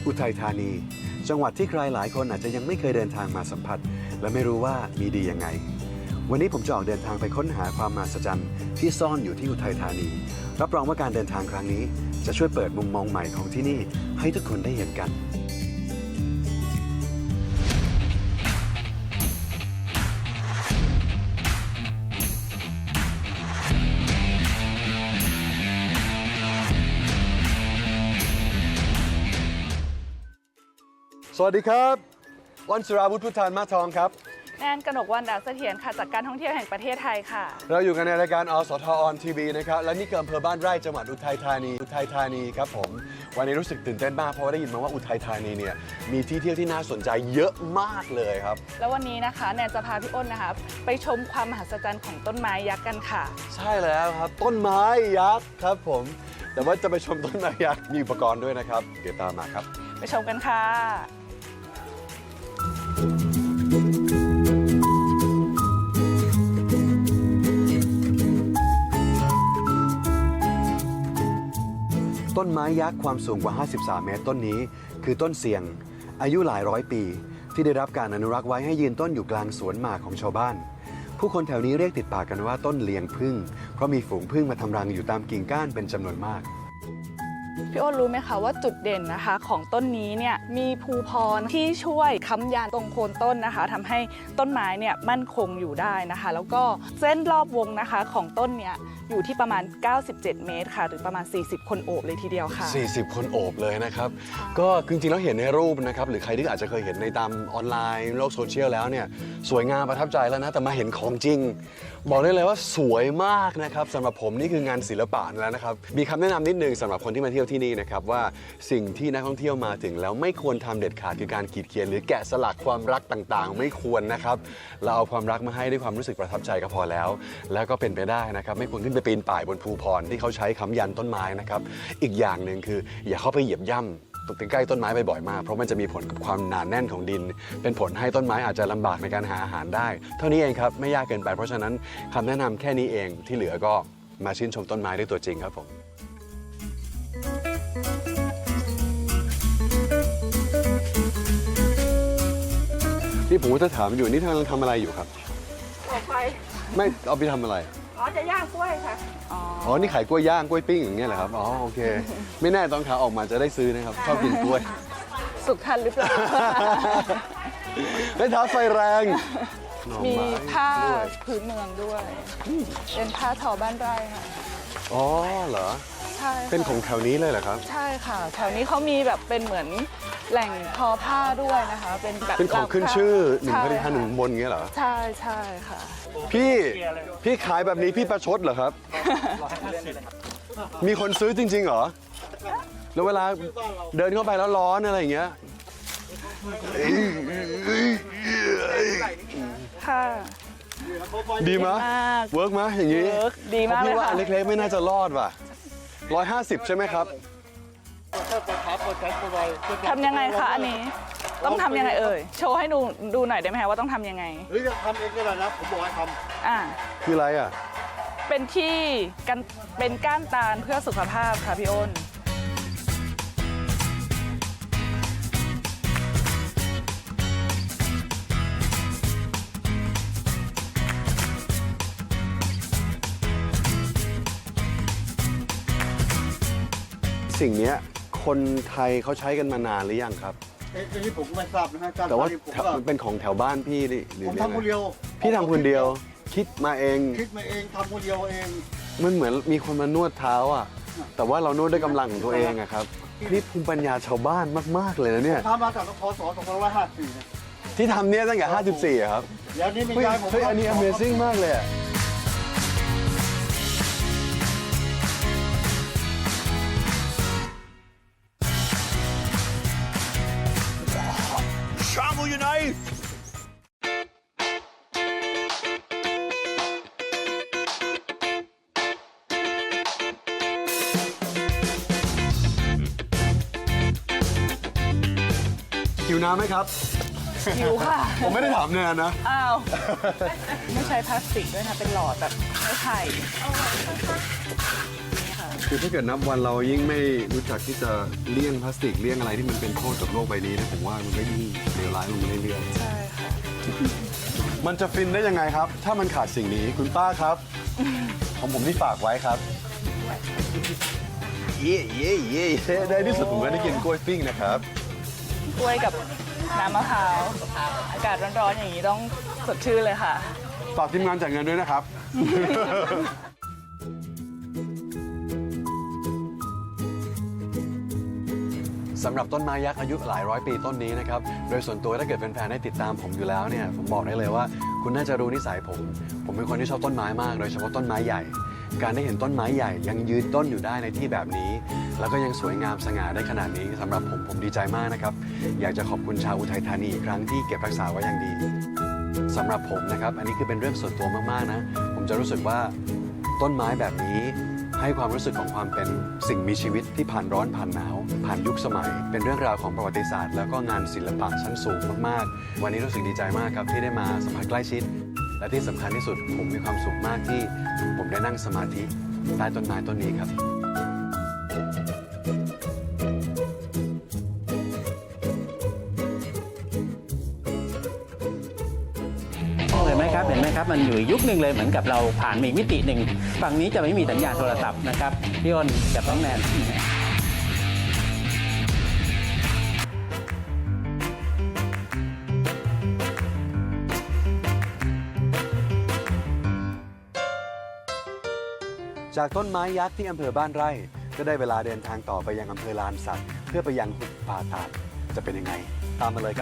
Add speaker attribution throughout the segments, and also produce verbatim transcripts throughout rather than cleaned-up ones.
Speaker 1: อุทัยธานีจังหวัดที่ใครหลายคนอาจจะยังไม่เคยเดินทางมาสัมผัสและไม่รู้ว่ามีดียังไงวันนี้ผมจะออกเดินทางไปค้นหาความมหัศจรรย์ที่ซ่อนอยู่ที่อุทัยธานีรับรองว่าการเดินทางครั้งนี้จะช่วยเปิดมุมมองใหม่ของที่นี่ให้ทุกคนได้เห็นกันสวัสดีครับวันสุราวุฒิพุทธานมาทองครับ
Speaker 2: แนนกนกวรรณดาเสถียรค่ะจากการท่องเที่ยวแห่งประเทศไทยค่ะ
Speaker 1: เราอยู่กันในรายการอสทออนทีวีนะครับและนี่คืออำเภอบ้านไร่จังหวัดอุทัยธานีอุทัยธานีครับผมวันนี้รู้สึกตื่นเต้นมากเพราะว่าได้ยินมาว่าอุทัยธานีเนี่ยมีที่เที่ยวที่น่าสนใจเยอะมากเลยครับ
Speaker 2: แล้ววันนี้นะคะแนนจะพาพี่อ้นนะคะไปชมความมหัศจรรย์ของต้นไม้ยักษ์กันค่ะ
Speaker 1: ใช่แล้วครับต้นไม้ยักษ์ครับผมแต่ว่าจะไปชมต้นไม้ยักษ์มีอุปกรณ์ด้วยนะครับเดี๋ยวตามมาครับ
Speaker 2: ไปชมกันค่ะ
Speaker 1: ต้นไม้ยักษ์ความสูงกว่าห้าสิบสามเมตรต้นนี้คือต้นเสียงอายุหลายร้อยปีที่ได้รับการอนุรักษ์ไว้ให้ยืนต้นอยู่กลางสวนหมากของชาวบ้านผู้คนแถวนี้เรียกติดปากกันว่าต้นเลียงผึ้งเพราะมีฝูงผึ้งมาทำรังอยู่ตามกิ่งก้านเป็นจำนวนมาก
Speaker 2: พี่อ้นรู้ไหมคะว่าจุดเด่นนะคะของต้นนี้เนี่ยมีภูพรที่ช่วยค้ำยันตรงโคนต้นนะคะทำให้ต้นไม้เนี่ยมั่นคงอยู่ได้นะคะแล้วก็เส้นรอบวงนะคะของต้นเนี่ยอยู่ที่ประมาณเก้าสิบเจ็ดเมตรค่ะหรือประมาณสี่สิบคนโอบเลยทีเดียวค่ะ
Speaker 1: สี่สิบคนโอบเลยนะครับก็จริงๆแล้วเห็นในรูปนะครับหรือใครที่อาจจะเคยเห็นในตามออนไลน์โลกโซเชียลแล้วเนี่ยสวยงามประทับใจแล้วนะแต่มาเห็นของจริงบอกได้เลยว่าสวยมากนะครับสำหรับผมนี่คืองานศิลปะแล้วนะครับมีคำแนะนำนิดนึงสำหรับคนที่มาเที่ยวที่นี่นะครับว่าสิ่งที่นักท่องเที่ยวมาถึงแล้วไม่ควรทำเด็ดขาดคือการขีดเขียนหรือแกะสลักความรักต่างๆไม่ควรนะครับเราเอาความรักมาให้ด้วยความรู้สึกประทับใจก็พอแล้วแล้วก็เป็นไปได้นะครับไม่ควรขึ้นไปปีนป่ายบนภูพรที่เขาใช้ค้ำยันต้นไม้นะครับอีกอย่างหนึ่งคืออย่าเข้าไปเหยียบย่ำตรงใกล้ต้นไม้บ่อยๆมากเพราะมันจะมีผลกับความหนาแน่นของดินเป็นผลให้ต้นไม้อาจจะลำบากในการหาอาหารได้เท่านี้เองครับไม่ยากเกินไปเพราะฉะนั้นคำแนะนำแค่นี้เองที่เหลือก็มาชื่นชมต้นไม้ด้วยตัวจริงครับผมนี่ผมก็จะถามอยู่นี่กำลังทำอะไรอยู่ครับ
Speaker 2: ออกไป
Speaker 1: ไม่เอาไปทำอะไร
Speaker 2: อ๋อจะย่างกล้วยค่ะ
Speaker 1: อ๋อนี่ขายกล้วยย่างกล้วยปิ้งอย่างเงี้ยเหรอครับอ๋อโอเคไม่แน่ตอนขาออกมาจะได้ซื้อนะครับชอบกินกล้วย
Speaker 2: สุกทันหรือเปล่า
Speaker 1: ได้ท้าไฟแรง
Speaker 2: มีผ้าพื้นเมืองด้วยเป็นผ้าทอบ้านไร่ค่ะ
Speaker 1: อ๋อเหรอ
Speaker 2: ใช่
Speaker 1: เป็นของแถวนี้เลยเหรอครับ
Speaker 2: ใช่ค่ะแถวนี้เขามีแบบเป็นเหมือนแหล่งทอผ้าด้วยนะคะเป็นแบบ
Speaker 1: เป็นของขึ้นชื่อหนึ่งพันห้าหนึ่งบนเงี้ยเหรอ
Speaker 2: ใช่ใช่ค่ะ
Speaker 1: พี่พี่ขายแบบนี้พี่ประชดเหรอครับมีคนซื้อจริงๆเหรอแล้วเวลาเดินเข้าไปแล้วร้อนอะไรอย่างเงี้ย
Speaker 2: ค่ะ
Speaker 1: ดีมั้ยเวิร์กมั้ยอย่างงี้
Speaker 2: ดีมากเลยค่ะ
Speaker 1: พี่ว่าอันเล็กๆไม่น่าจะรอดว่ะร้อยห้าสิบใช่ไหมครับ
Speaker 2: ทำยังไงคะอันนี้ต้องทำยังไงเอ่ยโชว์ให้ดูดูหน่อยได้ไหมคะว่าต้องทำยังไง
Speaker 3: หรือจะทำเองก็ได้นะผมบอกให้ท
Speaker 2: ำอ่า
Speaker 1: คืออะไรอ่ะ
Speaker 2: เป็นที่กันเป็นก้านตาลเพื่อสุขภาพค่ะพี่อ้น
Speaker 1: สิ่งนี้คนไทยเขาใช้กันมานานหรือยังครับ
Speaker 3: เอ้ยนี่ผมก็ไม่ทราบนะฮะ
Speaker 1: แต่ว่ามันเป็นของแถวบ้านพี่หรือ
Speaker 3: ผมทำคนเดียว
Speaker 1: พี่ทำคนเดียวคิดมาเอง
Speaker 3: คิดมาเองทำคนเดียวเอง
Speaker 1: มันเหมือนมีคนมานวดเท้าอ่ะแต่ว่าเรานวดด้วยกำลังของตัวเองอะครับนี่ภูมิปัญญาชาวบ้านมากๆเลยนะเนี่ย
Speaker 3: ทำมาจากพศสองพันห้าร้อยห้าสิบสี่
Speaker 1: ที่ทำเนี่ยตั้งแต่ห้าสิบสี่ครับ
Speaker 3: เดี๋ยวนี้มียายผม
Speaker 1: เฮ้ยอันนี้ Amazing มากเลยอะอยู่ไหนหิวน้ำไหมครับ
Speaker 2: หิวค่ะ
Speaker 1: ผมไม่ได้ถามแนนนะ
Speaker 2: อ้าวไม่ใช้พลาสติกด้วยนะเป็นหลอดแบบไม้ไผ่
Speaker 1: คือถ้าเกิดนับวันเรายิ่งไม่รู้จักที่จะเลี่ยงพลาสติกเลี่ยงอะไรที่มันเป็นโทษกับโลกใบนี้นะผมว่ามันก็ยิ่งเลวร้ายลงเรื่อย
Speaker 2: ใช่ค่ะ
Speaker 1: ๆมันจะฟินได้ยังไงครับ ถ้ามันขาดสิ่งนี้คุณป้าครับ ของผมที่ฝากไว้ครับเย่เย่เย่เย่ได้ที่สุดผมก็ได้กินกล้วยปิ้งนะครับ
Speaker 2: กล้วยกับน้ำมะพร้าวอากาศร้อนๆอย่างนี้ต้องสดชื่นเลยค่ะ
Speaker 1: ฝากทีมงานจ่ายเงินด้วยนะครับ สำหรับต้นไม้ยักษ์อายุหลายร้อยปีต้นนี้นะครับ โดยส่วนตัวถ้าเกิดแฟนๆได้ติดตามผมอยู่แล้วเนี่ย ผมบอกได้เลยว่าคุณน่าจะรู้นิสัยผม ผมเป็นคนที่ชอบต้นไม้มาก โดยเฉพาะต้นไม้ใหญ่ การได้เห็นต้นไม้ใหญ่ยังยืนต้นอยู่ได้ในที่แบบนี้ แล้วก็ยังสวยงามสง่าได้ขนาดนี้สำหรับผมผมดีใจมากนะครับ อยากจะขอบคุณชาวอุทัยธานีอีกครั้งที่เก็บรักษาไว้อย่างดีสำหรับผมนะครับ อันนี้คือเป็นเรื่องส่วนตัวมากๆนะ ผมจะรู้สึกว่าต้นไม้แบบนี้ให้ความรู้สึกของความเป็นสิ่งมีชีวิตที่ผ่านร้อนผ่านหนาว ผ่านยุคสมัย เป็นเรื่องราวของประวัติศาสตร์แล้วก็งานศิลปะชั้นสูงมากๆ วันนี้รู้สึกดีใจมากครับที่ได้มาสัมผัสใกล้ชิด และที่สำคัญที่สุดผมมีความสุขมากที่ผมได้นั่งสมาธิใต้ต้นไม้ต้นนี้ครับ
Speaker 4: เห็นไหมครับเห็นไหมครับมันอยู่อีกยุคหนึ่งเลยเหมือนกับเราผ่านมาอีกมิติหนึ่งฝั่งนี้จะไม่มีสัญญาณโทรศัพท์นะครับพี่อ้นกับน้องแนน
Speaker 1: จากต้นไม้ยักษ์ที่อำเภอบ้านไร่ก็ได้เวลาเดินทางต่อไปยังอำเภอลานสัตว์เพื่อไปยังหุบป่าตาดจะเป็นยังไง ตามมาเลยครับ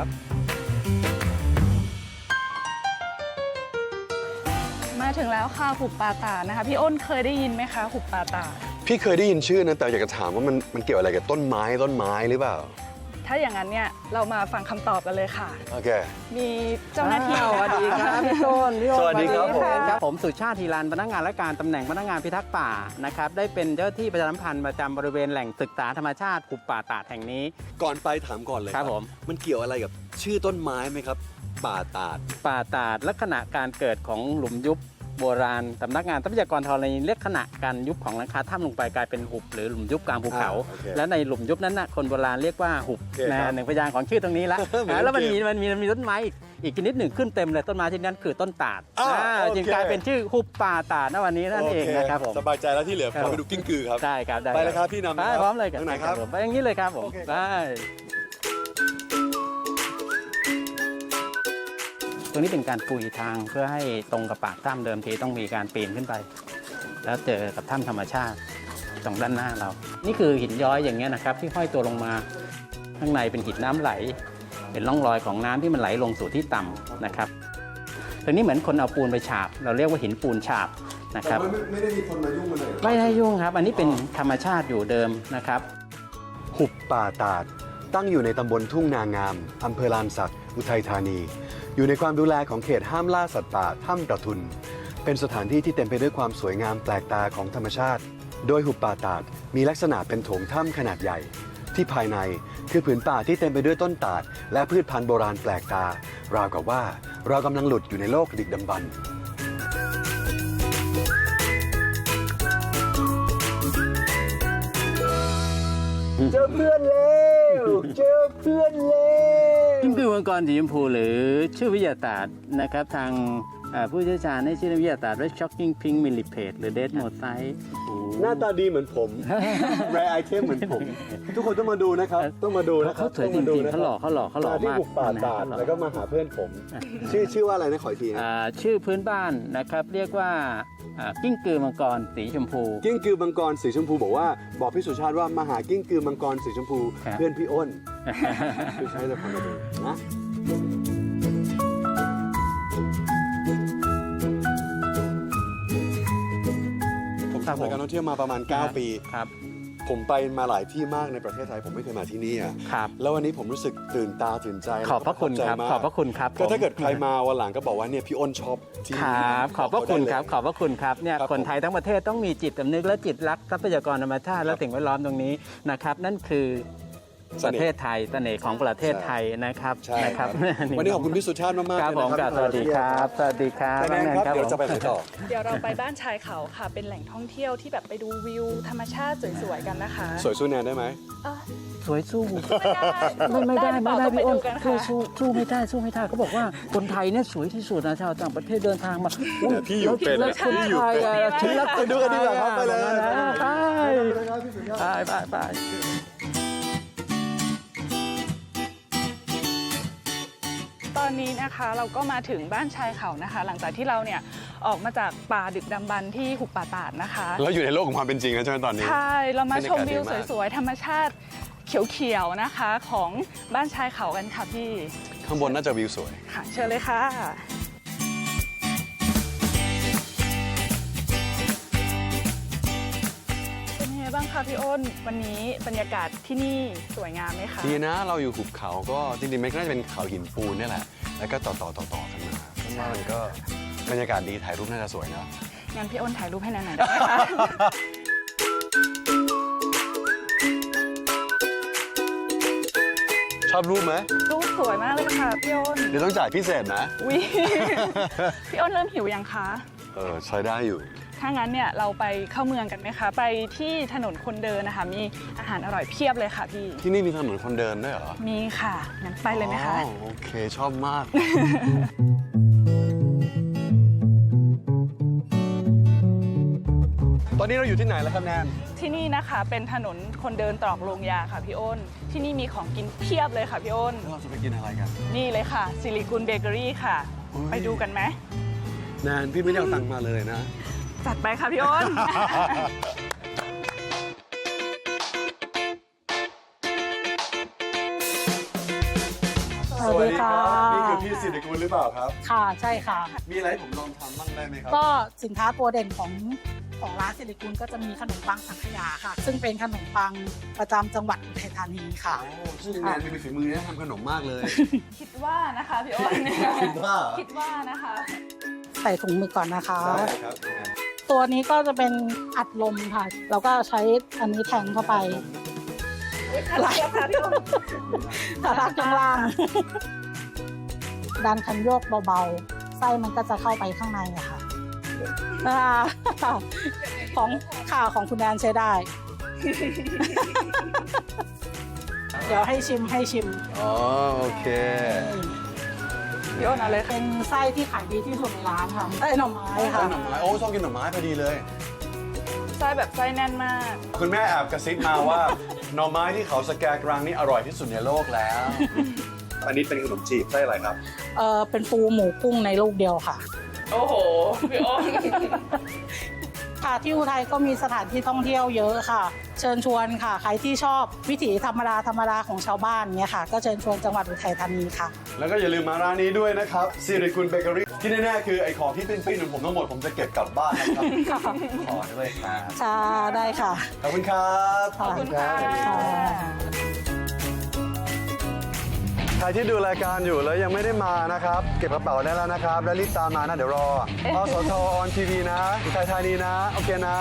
Speaker 2: มาถึงแล้วค่ะหุบป่าตาดนะคะ พี่อ้นเคยได้ยินไหมคะหุบป่าตาด
Speaker 1: พี่เคยได้ยินชื่อนะแต่อยากจะถามว่ามันมันเกี่ยวอะไรกับต้นไม้ต้นไม้หรือเปล่า
Speaker 2: ถ้าอย่างนั้นเนี่ยเรามาฟังคำตอบกันเลยค่ะ
Speaker 1: โอเค
Speaker 2: มีเจ้าหน้าที่
Speaker 4: สวัสดีครับพี่ต้นพี่โอ๊ต
Speaker 1: สวัสดีครับผม
Speaker 4: ครับผมสุชาติธีรันพนักงานและการตำแหน่งพนักงานพิทักษ์ป่านะครับได้เป็นเจ้าที่ประชาสัมพันธ์ประจำบริเวณแหล่งศึกษาธรรมชาติหุบป่าตาดแห่งนี้
Speaker 1: ก่อนไปถามก่อนเลย
Speaker 4: ครับผม
Speaker 1: มันเกี่ยวอะไรกับชื่อต้นไม้ไหมครับ ป่าตาด
Speaker 4: ป่าตาดลักษณะการเกิดของหลุมยุบโบราณสำนักงานทรัพยากรธรณีลักษณะการยุบของหลังคาถ้ำลงไปกลายเป็นหุบหรือหลุมยุบกลางภูเขา
Speaker 1: อ่าโอเค
Speaker 4: และในหลุมยุบนั้นนะคนโบราณเรียกว่าหุบ
Speaker 1: โอเคครับ
Speaker 4: นะหนึ่งพยางค์ของชื่อตรงนี้ละ
Speaker 1: เหมือน
Speaker 4: อ่าแล้วมัน
Speaker 1: เกม
Speaker 4: มีมันมีมันมีต้นไม้อีกอีกชนิดหนึ่งขึ้นเต็มเลยต้นไม้ชนิดนั้นคือต้นตาด
Speaker 1: อ่า
Speaker 4: อ่า
Speaker 1: โอเค
Speaker 4: จึงกลายเป็นชื่อหุบป่าตาดณวันนี้นั่นเองนะครับผม
Speaker 1: สบายใจแล้วที่เหลือ
Speaker 4: ครับ
Speaker 1: พาไปดูกิ้งกือครับ
Speaker 4: ได้ครับได้
Speaker 1: ไปเลยครับพี่นำ
Speaker 4: ไป
Speaker 1: นะครับ
Speaker 4: พร้อมเลย
Speaker 1: ทางไหนครับ
Speaker 4: ผมไปอย่างนี้เลยครับผม
Speaker 1: โอเคครับ
Speaker 4: ได้ตรงนี้เป็นการปุยทางเพื่อให้ตรงกับปากถ้ำเดิมทีต้องมีการปีนขึ้นไป แล้วเจอกับถ้ำธรรมชาติตรงด้านหน้าเรา นี่คือหินย้อยอย่างเงี้ยนะครับที่ห้อยตัวลงมาข้างในเป็นหินน้ำไหล เป็นร่องรอยของน้ำที่มันไหลลงสู่ที่ต่ำนะครับตรงนี้เหมือนคนเอาปูนไปฉาบ เราเรียกว่าหินปูนฉาบนะครับ
Speaker 1: ไม่ไม่ได้มีคนมายุ่งมันเลย
Speaker 4: ไม่ได้ยุ่งครับ อันนี้เป็นธรรมชาติอยู่เดิมนะครับ
Speaker 1: หุบป่าตาด ตั้งอยู่ในตำบลทุ่งนางามอำเภอลานสักอุทัยธานี อยู่ในความดูแลของเขตห้ามล่าสัตว์ป่าถ้ำกระทุน เป็นสถานที่ที่เต็มไปด้วยความสวยงามแปลกตาของธรรมชาติ โดยหุบป่าตาดมีลักษณะเป็นโถงถ้ำขนาดใหญ่ ที่ภายในคือผืนป่าที่เต็มไปด้วยต้นตาด และพืชพันธุ์โบราณแปลกตา ราวกับว่าเรากำลังหลุดอยู่ในโลกดึกดำบรรพ์
Speaker 4: เจอเพื่อนแล้วเจอเพื่อนแล้วกิ้งกือมังกรสีชมพูหรือชื่อวิทยาศาสตร์นะครับทางอ่าผู้เชี่ยวชาญให้ชื่อวิทยาศาสตร์ Red Shocking Pink Millipede หรือ Dead Mosaic
Speaker 1: หน้าตาดีเหมือนผม แรไอเทมเหมือนผม ทุกคนต้องมาดูนะครับ ต้องมาดูนะครั
Speaker 4: เขาสวยจริงๆเขาหล่อเขาหล่อเขาหล่อ
Speaker 1: ที่
Speaker 4: มาก
Speaker 1: บุกป่าตาด
Speaker 4: นะ
Speaker 1: แล้วก็มาหาเพื่อนผม ชื่อชื่อว่าอะไรนะขออีกทีนะ
Speaker 4: อ่าชื่อพื้นบ้านนะครับเรียกว่าอ่ากิ้งกือมังกรสีชมพู
Speaker 1: กิ้งกือมังกรสีชมพูบอกว่าบอกพี่สุชาติว่ามาหากิ้งกือมังกรสีชมพู
Speaker 4: ครับ
Speaker 1: เพื่อนพี่อ้นพี่ชายจะพามาดูนะผมทำรายการท่องเที่ยวมาประมาณ เก้า ปี
Speaker 4: ครับ
Speaker 1: ผมไปมาหลายที่มากในประเทศไทยผมไม่เคยมาที่นี่อ่ะ
Speaker 4: ครับ
Speaker 1: แล้ววันนี้ผมรู้สึกตื่นตาตื่นใจ
Speaker 4: ขอบพระคุณครับ
Speaker 1: แล้ว
Speaker 4: ข
Speaker 1: ก็
Speaker 4: อบพระคุณครับ
Speaker 1: ก็ถ้าเกิด
Speaker 4: ผม
Speaker 1: ใครมาวันหลังก็บอกว่าเนี่ยพี่อ้นชอบที่
Speaker 4: ครับ ขอบพระคุณครับ ข
Speaker 1: ข
Speaker 4: อ
Speaker 1: อ
Speaker 4: บบ พระคุณครับเนี่ย
Speaker 1: ครับ
Speaker 4: คนไทยทั้งประเทศต้องมีจิตสำนึกและจิตรักทรัพยากรธรรมชาติและสิ่งแวดล้อมตรงนี้นะครับ นั่นคือประเทศไทยเสน่ห์ของประเทศไทยนะครับ
Speaker 1: ใช่
Speaker 4: นะ
Speaker 1: ครับ
Speaker 4: นี่
Speaker 1: วันนี้ขอบคุณพี่สุชาติมากๆ
Speaker 4: ครับ
Speaker 1: เลย
Speaker 4: ผม
Speaker 1: นะ
Speaker 4: ครับสวัสดีครับสวัสดีครับ
Speaker 1: แนนครับ
Speaker 4: น้อง
Speaker 1: เดี๋ยว
Speaker 4: ผม
Speaker 1: จะไปไหนต่อ
Speaker 2: เดี๋ยวเราไปบ้านชายเขาค่ะ เป็นแหล่งท่องเที่ยวที่แบบไปดูวิวธรรมชาติสวยๆกันนะคะ
Speaker 1: สวยสู้แนนได้ไหม
Speaker 2: อ่ะ
Speaker 4: สวยสู้
Speaker 2: ไม่
Speaker 4: ไม่
Speaker 2: ได้
Speaker 4: ไม่ได้ไม่ได้
Speaker 2: ต้อง
Speaker 4: พี่อ้น
Speaker 2: กัน
Speaker 4: สู้
Speaker 2: ค่ะ
Speaker 4: สู้สู้ไม่ได้สู้ไม่ได้เขาบอกว่าคนไทยเนี่ยสวยที่สุดนะชาวต่างประเทศเดินทางมาอุ๊
Speaker 1: พี่อยู่เป็น
Speaker 4: แล้วคนไทยอะฉันรักคน
Speaker 1: ไปดูกันดีกว่าครับไปเลย
Speaker 4: ไปไปไปไป
Speaker 2: ตอนนี้นะคะเราก็มาถึงบ้านชายเขานะคะ หลังจากที่เราเนี่ยออกมาจากป่าดึกดำบรรพ์ที่หุบป่าตาดนะคะ
Speaker 1: เราอยู่ในโลกของความเป็นจริงแล้วใช่ไหมตอนนี้
Speaker 2: ใช่ เรามาชม
Speaker 1: บรร
Speaker 2: วิ
Speaker 1: ยากาศดี
Speaker 2: ว
Speaker 1: มาก
Speaker 2: สวยๆ ธรรมชาติเขียวๆ นะคะของบ้านชายเขากันค่ะพี่
Speaker 1: ข้างบนน่าจะวิวสวย
Speaker 2: ค่ะ เชิญเลยค่ะ เป็นยังไงบ้างคะพี่อ้น วันนี้บรรยากาศที่นี่สวยงามไหมคะ
Speaker 1: ดีนะเราอยู่หุบเขาก็จริงๆมันก็น่าจะเป็นเขาหินปูนนี่แหละ แล้วก็ต่อต่อต่อต่อกันมาเพราะว่ามันก็บรรยากาศดีถ่ายรูปน่าจะสวยเนาะ
Speaker 2: งั้นพี่อ้นถ่ายรูปให้หน่อยได้ไหมคะ
Speaker 1: ชอบรูปไหม
Speaker 2: รูปสวยมากเลยค่ะพี่อ้น
Speaker 1: เดี๋ยวต้องจ่ายพิเศษนะ
Speaker 2: วิ พี่อ้นเริ่มหิวยังคะ
Speaker 1: เออใช้ได้อยู่
Speaker 2: ถ้างั้นเนี่ยเราไปเข้าเมืองกันไหมคะ ไปที่ถนนคนเดินนะคะ มีอาหารอร่อยเพียบเลยค่ะพี่
Speaker 1: ที่นี่มีถนนคนเดินด้วยเหรอ
Speaker 2: มีค่ะ งั้นไปเลยไหมคะ
Speaker 1: อ๋อโอเคชอบมาก ตอนนี้เราอยู่ที่ไหนแล้วครับแนน
Speaker 2: ที่นี่นะคะเป็นถนนคนเดินตรอกโรงยาค่ะพี่อ้น ที่นี่มีของกินเพียบเลยค่ะพี่อ้น
Speaker 1: แล้วเราจะไปกินอะไรกัน
Speaker 2: นี่เลยค่ะซิลิกุลเบเกอรี่ค่ะ
Speaker 1: อุ๊ย
Speaker 2: ไปดูกันไหม
Speaker 1: แนนพี่ไม่ได้เอาตังค์มาเลยนะ
Speaker 2: จัดไปค่ะพี่อ้น
Speaker 5: สวัสดีค่ะ
Speaker 1: นี่คือพี่สิริกุลหรือเปล่าครับ
Speaker 5: ค่ะใช่ค่ะ
Speaker 1: มีอะไรให้ผมลองทำบ้างได้ไหมครับ
Speaker 5: ก็สินค้าตัวเด่นของของร้านสิริกุลก็จะมีขนมปังสังขยาค่ะ ซึ่งเป็นขนมปังประจำจังหวัดอุทัยธานีค่ะ
Speaker 1: โอ้ซึ่งแนนมีฝีมือเนี่ยทำขนมมากเลย
Speaker 2: คิดว่านะคะพี่อ้น
Speaker 1: คิดว่า
Speaker 2: คิดว่านะคะ
Speaker 5: ใส่ถุงมือก่อนนะคะ
Speaker 1: ได้ครับ
Speaker 5: ตัวนี้ก็จะเป็นอัดลมค่ะ แล้วก็ใช้อันนี้แทงเข้าไป
Speaker 2: อะไรคะพี่อ้น
Speaker 5: ตาลากข้างล่าง ดันคันโยกเบาๆ ไส้มันก็จะเข้าไปข้างในอะค่ะอ่าของข่าวของคุณแดนใช้ได้ เดี๋ยวให้ชิมให้ชิม
Speaker 1: อ๋อโอเค
Speaker 2: พี่อ้นเอาเลยค่ะ
Speaker 5: เป็นไส้ที่ขายดีที่สุดในร้านค่ะไส้หน่อไม้ค่ะ
Speaker 1: หน่อไม้โอ้ชอบกินหน่อไม้พอดีเลย
Speaker 2: ไส้แบบไส้แน่นมาก
Speaker 1: คุณแม่แอบกระซิบมาว่า หน่อไม้ที่เขาสแกกรังนี่อร่อยที่สุดในโลกแล้ว อันนี้เป็นขนมจีบไส้อะไรครับ
Speaker 5: เออเป็นปูหมูกุ้งในลูกเดียวค่ะ
Speaker 2: โอ้โห พี่อ้น
Speaker 5: ค่ะที่อุทัยก็มีสถานที่ท่องเที่ยวเยอะค่ะ เชิญชวนค่ะ ใครที่ชอบวิถีธรรมดาธรรมดาของชาวบ้านเนี่ยค่ะ ก็เชิญชวนจังหวัดอุทัยธานีค่ะ
Speaker 1: แล้วก็อย่าลืมมาร้านนี้ด้วยนะครับสิริกุลเบเกอรี่ที่แน่ๆคือไอ้ของที่ปิ้นๆของผมทั้งหมดผมจะเก็บกลับบ้านนะครับ ขอด้วยครับ
Speaker 5: ค่ะได้ค่ะ
Speaker 1: ขอบคุณครับ
Speaker 5: ขอบคุณค่ะ
Speaker 1: ใครที่ดูรายการอยู่แล้วยังไม่ได้มานะครับ เก็บกระเป๋าได้แล้วนะครับ แล้วรีบตามมานะ เดี๋ยวรออสทออนทีวีนะอุทัยธานีนะ โอเคนะ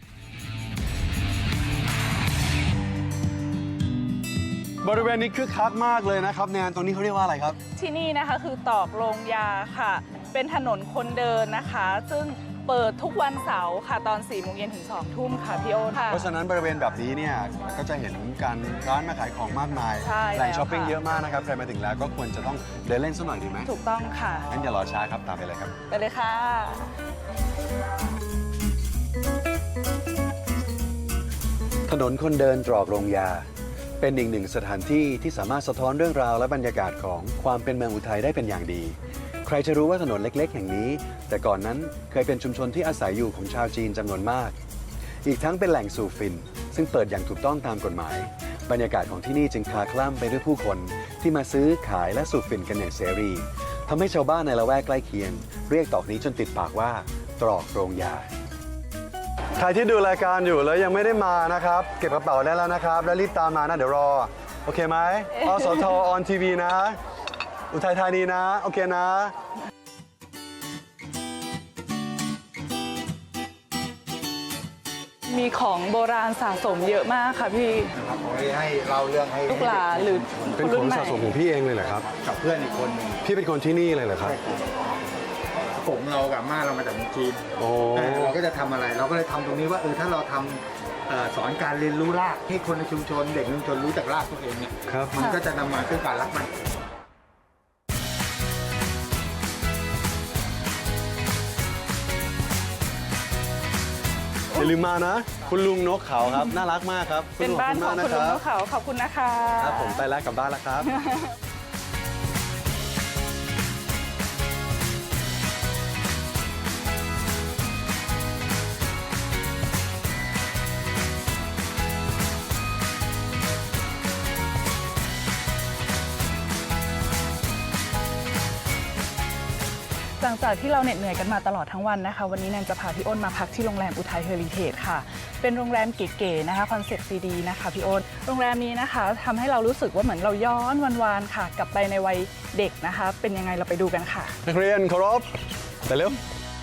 Speaker 1: บริเวณนี้คึกคักมากเลยนะครับแนนตรงนี้เขาเรียกว่าอะไรครับ
Speaker 2: ที่นี่นะคะคือตอกโรงยาค่ะ เป็นถนนคนเดินนะคะ ซึ่งเปิดทุกวันเสาร์ค่ะ ตอนสี่โมงเย็นถึงสองทุ่มค่ะพี่โอ๊ตค่ะ
Speaker 1: เพราะฉะนั้นบริเวณแบบนี้เนี่ยก็จะเห็นการร้านมาขายของมากมาย
Speaker 2: ใช่
Speaker 1: แหล่ง
Speaker 2: แล้ว
Speaker 1: ช้อปปิ้ง
Speaker 2: ค่ะ
Speaker 1: เยอะมากนะครับใครมาถึงแล้วก็ควรจะต้องเดินเล่นสักหน่อยดีไหม
Speaker 2: ถูกต้องค่ะ
Speaker 1: งั้นอย่ารอช้าครับตามไปเลยครับ
Speaker 2: ไปเลยค่ะ
Speaker 1: ถนนคนเดินตรอกโรงยา เป็นอีกหนึ่งสถานที่ที่สามารถสะท้อนเรื่องราวและบรรยากาศของความเป็นเมืองอุทัยได้เป็นอย่างดี ใครจะรู้ว่าถนนเล็กๆ แห่งนี้ แต่ก่อนนั้นเคยเป็นชุมชนที่อาศัยอยู่ของชาวจีนจำนวนมาก อีกทั้งเป็นแหล่งสูบฝิ่นซึ่งเปิดอย่างถูกต้องตามกฎหมาย บรรยากาศของที่นี่จึงคลาคล่ำไปด้วยผู้คนที่มาซื้อขายและสูบฝิ่นกันอย่างเสรีทำให้ชาวบ้านในละแวกใกล้เคียง เรียกตอกนี้จนติดปากว่าตรอกโรงยา ใครที่ดูรายการอยู่แล้วยังไม่ได้มานะครับ เก็บกระเป๋าได้แล้วนะครับ แล้วรีบตามมานะ เดี๋ยวรอ โอเคไหมอสทออนทีวีนะ อุทัยธานีนะ โอเคนะ
Speaker 2: นมีของโบราณสะสมเยอะมากค่ะพี่
Speaker 6: ครับผมให้เล่าเรื่องให้
Speaker 2: ลูกหลานหรือ
Speaker 1: เป็นของสะสมของพี่เองเลยเหรอครับ
Speaker 6: กับเพื่อนอีกคนหนึ่ง
Speaker 1: พี่เป็นคนที่นี่เลยเหรอครับ
Speaker 6: ผมเรากับม่าเรามาจากเมืองจีน
Speaker 1: โอ้
Speaker 6: เออเราก็จะทำอะไร เราก็เลยทำตรงนี้ว่าเออถ้าเราทำเอ่อสอนการเรียนรู้รากให้คนในชุมชน เด็กในชุมชนรู้จักรากตัวเองเนี่ย
Speaker 1: ครับ
Speaker 6: มันก็จะนำมาซึ่งการรักมัน
Speaker 1: อย่าลืมมานะ คุณลุงนกเขาครับ น่ารักมากครับ
Speaker 2: เป็นบ้านของคุณลุงนก
Speaker 1: ครับ
Speaker 2: เขาขอบคุณนะคะ
Speaker 1: ครับผมไปแล้วกลับบ้านแล้วครับ
Speaker 2: หลังจากที่เราเหน็ดเหนื่อยกันมาตลอดทั้งวันนะคะ วันนี้แนนจะพาพี่อ้นมาพักที่โรงแรมอุทัยเฮอริเทจค่ะ เป็นโรงแรมเก๋ๆนะคะคอนเซ็ปต์ดีๆนะคะพี่อ้นโรงแรมนี้นะคะทำให้เรารู้สึกว่าเหมือนเราย้อนวันๆค่ะ กลับไปในวัยเด็กนะคะ เป็นยังไงเราไปดูกันค่ะ
Speaker 1: นักเรียนเคารพไปเร็ว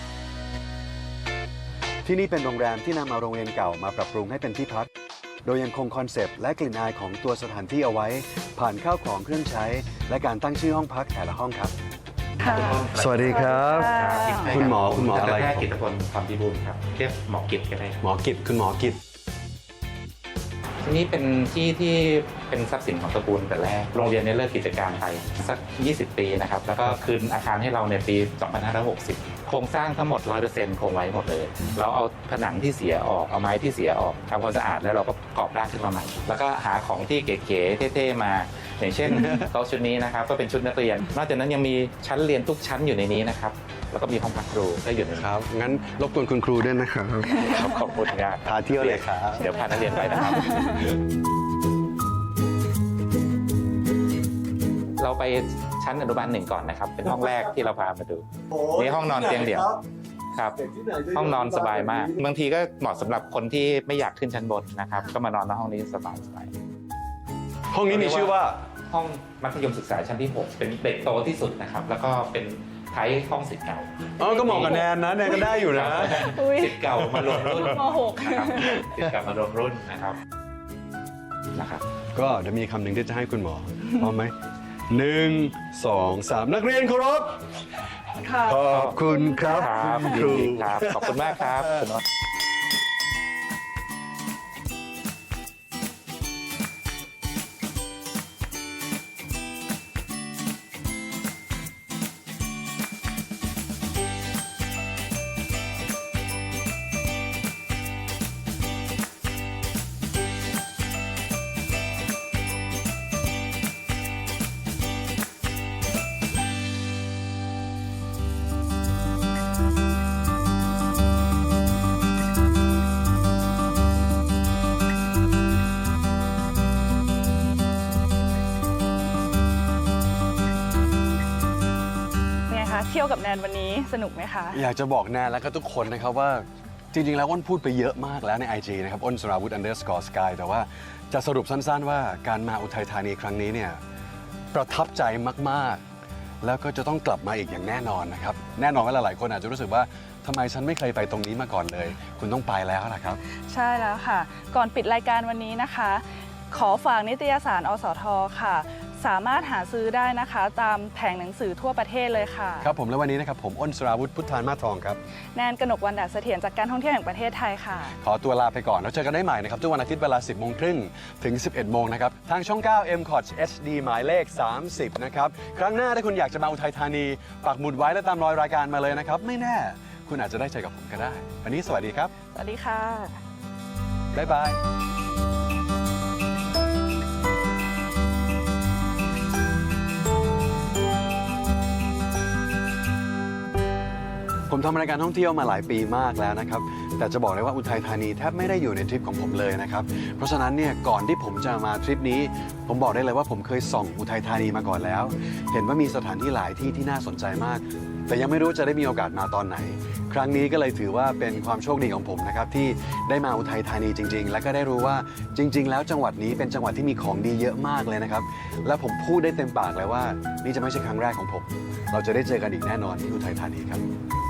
Speaker 1: ที่นี่เป็นโรงแรมที่นำเอาโรงเรียนเก่ามาปรับปรุงให้เป็นที่พัก โดยยังคงคอนเซปต์และกลิ่นอายของตัวสถานที่เอาไว้ ผ่านข้าวของเครื่องใช้ และการตั้งชื่อห้องพักแต่ละห้องครับ
Speaker 2: ค่ะ
Speaker 1: สวัสดีครับ คุณหมอคุณหมออะไร
Speaker 7: แพทย์กิตติพลความพิบูลครับเรียกหมอกิตก็ได้ครับ
Speaker 1: หมอกิจคุณหมอกิจ
Speaker 7: ที่นี่เป็นที่ที่เป็นทรัพย์สินของตระกูลแต่แรกโรงเรียนเนี่ยเลิกกิจการไปสักยี่สิบปีนะครับแล้วก็คืนอาคารให้เราในปีสองพันห้าร้อยหกสิบโครงสร้างทั้งหมด ร้อยเปอร์เซ็นต์ คงไว้หมดเลยเราเอาผนังที่เสียออกเอาไม้ที่เสียออกทำความสะอาดแล้วเราก็ประกอบร่างขึ้นมาใหม่แล้วก็หาของที่เก๋ๆเท่ๆมาอย่างเช่น โต๊ะชุดนี้นะครับก็เป็นชุดนักเรียนนอกจากนั้นยังมีชั้นเรียนทุกชั้นอยู่ในนี้นะครับแล้วก็มีห้องพักครูก็อยู่ในนี้
Speaker 1: ครับ งั้นรบกวนคุณครูด้วยนะครับ
Speaker 7: ครับขอบคุณครับ
Speaker 1: พาเที่ยวเลยครับ
Speaker 7: เดี๋ยวพานักเรียนไปนะครับ เราไปชั้นอนุบาลหนึ่งก่อนนะครับ เป็นห้องแรกที่เราพามาดูนี่ห้องนอนเตียงเดี่ยวครับ ห้องนอนสบายมาก บางทีก็เหมาะสำหรับคนที่ไม่อยากขึ้นชั้นบนนะครับ ก็มานอนในห้องนี้สบายสบาย
Speaker 1: ห้องนี้มีชื่อว่า
Speaker 7: ห้องมัธยมศึกษาชั้นที่หกเป็นเด็กโตที่สุดนะครับ แล้วก็เป็นไทยห้องศิษย์เก่า
Speaker 1: อ๋อ ก็เหมาะกับแนนนะ แนนก็ได้อยู่นะ
Speaker 2: อุ๊ย
Speaker 7: ศิษย์เก่ามารวมรุ่น
Speaker 2: มหก
Speaker 7: นะครับศิษย์เก่ามารวมรุ่นนะครับนะครับ
Speaker 1: ก็เดี๋ยวมีคำหนึ่งที่จะให้คุณหมอพร้อมไหมหนึ่งสองสามนักเรียนเคารพ
Speaker 2: ค่ะ
Speaker 1: ขอบคุณครับ
Speaker 7: ครับ
Speaker 1: คุณค
Speaker 7: ยิน
Speaker 1: รู
Speaker 7: ดีครับ ขอบคุณมากครับคุณอ้น
Speaker 2: เป็นไงคะเที่ยวกับแนนวันนี้สนุกไหมคะ
Speaker 1: อยากจะบอกแนนแล้วก็ทุกคนนะครับว่าจริง ๆ แล้วอ้นพูดไปเยอะมากแล้วใน ไอ จี นะครับอ้นสราวุธ underscore sky แต่ว่าจะสรุปสั้นๆว่าการมาอุทัยธานีครั้งนี้เนี่ยประทับใจมากๆ แล้วก็จะต้องกลับมาอีกอย่างแน่นอนนะครับ แน่นอนว่าหลายๆคนอาจจะรู้สึกว่าทำไมฉันไม่เคยไปตรงนี้มาก่อนเลย คุณต้องไปแล้วล่ะครับ
Speaker 2: ใช่แล้วค่ะ ก่อนปิดรายการวันนี้นะคะ ขอฝากนิตยสารอสทค่ะ สามารถหาซื้อได้นะคะ ตามแผงหนังสือทั่วประเทศเลยค่ะ
Speaker 1: ครับผมและวันนี้นะครับผมอ้นสราวุธพุทธานมาทองครับ
Speaker 2: แนนกนกวรรณดาเสถียรจากการท่องเที่ยวแห่งประเทศไทยค่ะ
Speaker 1: ขอตัวลาไปก่อนแล้วเจอกันได้ใหม่นะครับทุกวันอาทิตย์เวลา สิบโมงครึ่งถึง สิบเอ็ดโมงนะครับ ทางช่อง เก้า เอ็ม คอท เอช ดี หมายเลข สามสิบ นะครับ ครั้งหน้าถ้าคุณอยากจะมาอุทัยธานี ปักหมุดไว้และตามรอยรายการมาเลยนะครับ ไม่แน่ คุณอาจจะได้เจอกับผมก็ได้ วันนี้สวัสดีครับ
Speaker 2: สวัสดีค่ะ
Speaker 1: บ๊ายบาย ผมทำรายการท่องเที่ยวมาหลายปีมากแล้วนะครับ แต่จะบอกเลยว่าอุทัยธานีแทบไม่ได้อยู่ในทริปของผมเลยนะครับ เพราะฉะนั้นเนี่ยก่อนที่ผมจะมาทริปนี้ ผมบอกได้เลยว่าผมเคยส่องอุทัยธานีมาก่อนแล้ว เห็นว่ามีสถานที่หลายที่ที่น่าสนใจมาก แต่ยังไม่รู้จะได้มีโอกาสมาตอนไหน ครั้งนี้ก็เลยถือว่าเป็นความโชคดีของผมนะครับที่ได้มาอุทัยธานีจริง ๆ และก็ได้รู้ว่าจริง ๆ แล้วจังหวัดนี้เป็นจังหวัดที่มีของดีเยอะมากเลยนะครับ และผมพูดได้เต็มปากเลยว่านี่จะไม่ใช่ครั้งแรกของผม เราจะได้เจอกันอีกแน่นอนที่อุทัยธานีครับ